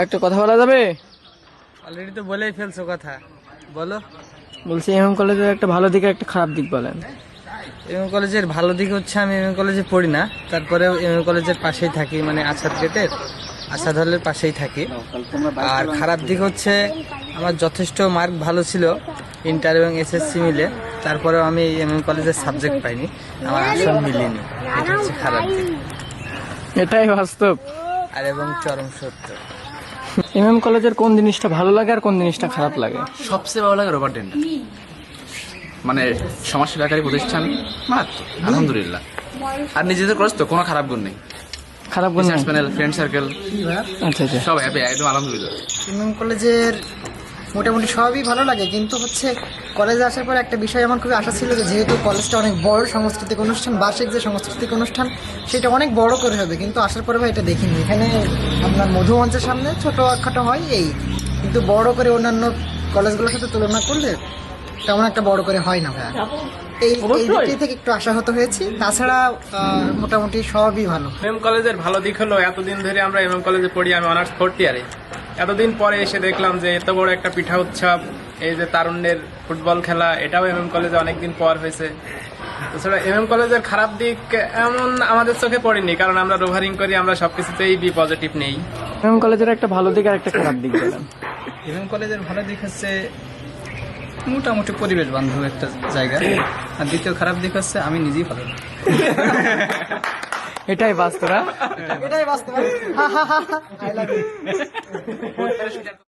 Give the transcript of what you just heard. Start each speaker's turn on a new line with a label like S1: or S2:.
S1: একটা কথা বলা যাবে?
S2: অলরেডি তো বলেই ফেলছো কথা, বলো।
S1: বলছি এমএম কলেজের একটা ভালো দিক আর একটা খারাপ দিক বলেন।
S2: এমএম কলেজের ভালো দিক হচ্ছে আমি এমএম কলেজে পড়ি না, তারপরেও এমএম কলেজের পাশেই থাকি, মানে আসাদ গেটের আসাদ হলের পাশেই থাকি। আর খারাপ দিক হচ্ছে আমার যথেষ্ট মার্ক ভালো ছিল ইন্টার এবং এসএসসি মিলে, তারপরেও আমি এমএম কলেজের সাবজেক্ট পাইনি, আমার আসন মিলিনি। এটা হচ্ছে খারাপ দিক,
S1: এটাই বাস্তব
S2: আর এবং চরম সত্য।
S1: এমএম কলেজের কোন জিনিসটা ভালো লাগে আর কোন জিনিসটা খারাপ লাগে?
S3: সবচেয়ে ভালো লাগে রোবট ডেন্টাল, মানে সমাজসেবাকারী প্রতিষ্ঠান মারাত্মক, আলহামদুলিল্লাহ। আর নিজেদের খরচ তো কোনো খারাপ গুণ নেই,
S1: খারাপ কোন?
S3: রিসার্চ প্যানেল, ফ্রেন্ড সার্কেল,
S1: আচ্ছা আচ্ছা।
S3: সব হ্যাপি, একদম আলহামদুলিল্লাহ।
S4: এমএম কলেজের মোটামুটি সবই ভালো লাগে, কিন্তু হচ্ছে কলেজে আসার পর একটা বিষয় আমার খুবই আশা ছিল যে যেহেতু কলেজটা অনেক বড় সাংস্কৃতিক অনুষ্ঠান, বার্ষিক যে সাংস্কৃতিক অনুষ্ঠান সেটা অনেক বড় করে হবে, কিন্তু আসার পরে ভাই এটা দেখিনি। এখানে আপনার মধুমঞ্চের সামনে ছোটো খাটো হয় এই, কিন্তু বড় করে অন্যান্য কলেজগুলোর সাথে তুলনা করলে তেমন একটা বড় করে হয় না ভাই। এই দিকটি থেকে একটু আশাহত হয়েছি, তাছাড়া মোটামুটি সবই ভালো।
S5: এমএম কলেজের ভালো দিক হলো এতদিন ধরে আমরা এমএম কলেজে পড়ি, আমি অনার্স ফোর্থ ইয়ারে। এতদিন পরে এসে দেখলাম যে এত বড় একটা পিঠা উৎসব, এই যে তারুণ্যের ফুটবল খেলা, এটাও এমএম কলেজে অনেকদিন পর হয়েছে। তাছাড়া এমএম কলেজের খারাপ দিক এমন আমাদের চোখে পড়েনি, কারণ আমরা রোভারিং করি, আমরা সবকিছুতেই বি পজিটিভ নেই।
S1: এমএম কলেজের একটা ভালো দিক আর একটা খারাপ দিক বলেন।
S2: এমএম কলেজের ভালো দিক হচ্ছে মোটামুটি পরিবেশ বান্ধব একটা জায়গা, আর দ্বিতীয় খারাপ দিক হচ্ছে আমি নিজেই ভালো না।
S1: এটাই বাস্তব।
S4: এটাই বাস্তব।